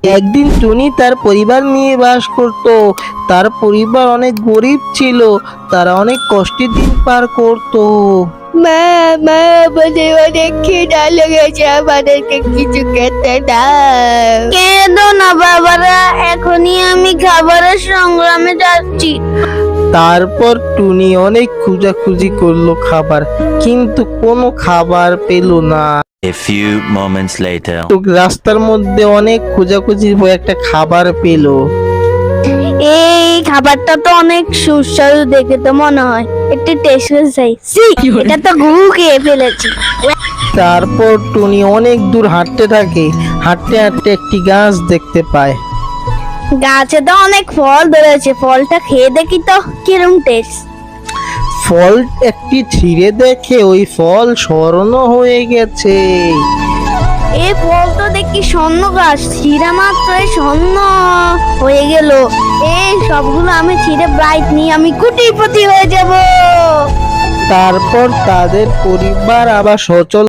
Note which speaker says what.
Speaker 1: একদিন টুনি তার পরিবার নিয়ে বাস করত। তার পরিবার অনেক গরিব ছিল, তারা অনেক কষ্টের দিন পার করত।
Speaker 2: মা মা আমাদের অনেক খিদা লেগেছে, আমাদেরকে কিছু খেতে দাও। কেঁদো না বাবারা, এখনই আমি খাবারের সংগ্রামে যাচ্ছি।
Speaker 1: তারপর টুনি অনেক খোঁজাখুঁজি করলো খাবার, কিন্তু কোনো খাবার পেল না।
Speaker 3: A few moments later.
Speaker 1: তো রাস্তার মধ্যে অনেক খোঁজাখুঁজির পর একটা খাবার পেল।
Speaker 2: এই খাবারটা তো অনেক সুস্বাদু দেখে তো মনে হয়, একটু টেস্ট করে চাই। এটা তো গু খেয়ে ফেলেছি।
Speaker 1: তারপর টুনি অনেক দূর হাঁটতে থাকে। হাঁটতে হাঁটতে একটি গাছ দেখতে পায়।
Speaker 2: গাছে তো অনেক ফল ধরেছে, ফলটা খেয়ে দেখি তো কিরম টেস্ট।
Speaker 1: ফল একটি ছিঁড়ে দেখে ওই ফল স্বর্ণ হয়ে গেছে।
Speaker 2: এই ফল তো দেখি স্বর্ণ গাছ, ছিঁড়া মাত্রই স্বর্ণ হয়ে গেল। এই সবগুলো আমি ছিঁড়ে ব্রাইট নিয়ে আমি কোটিপতি হয়ে যাব।
Speaker 1: তারপর তাদের পরিবার আবার সচল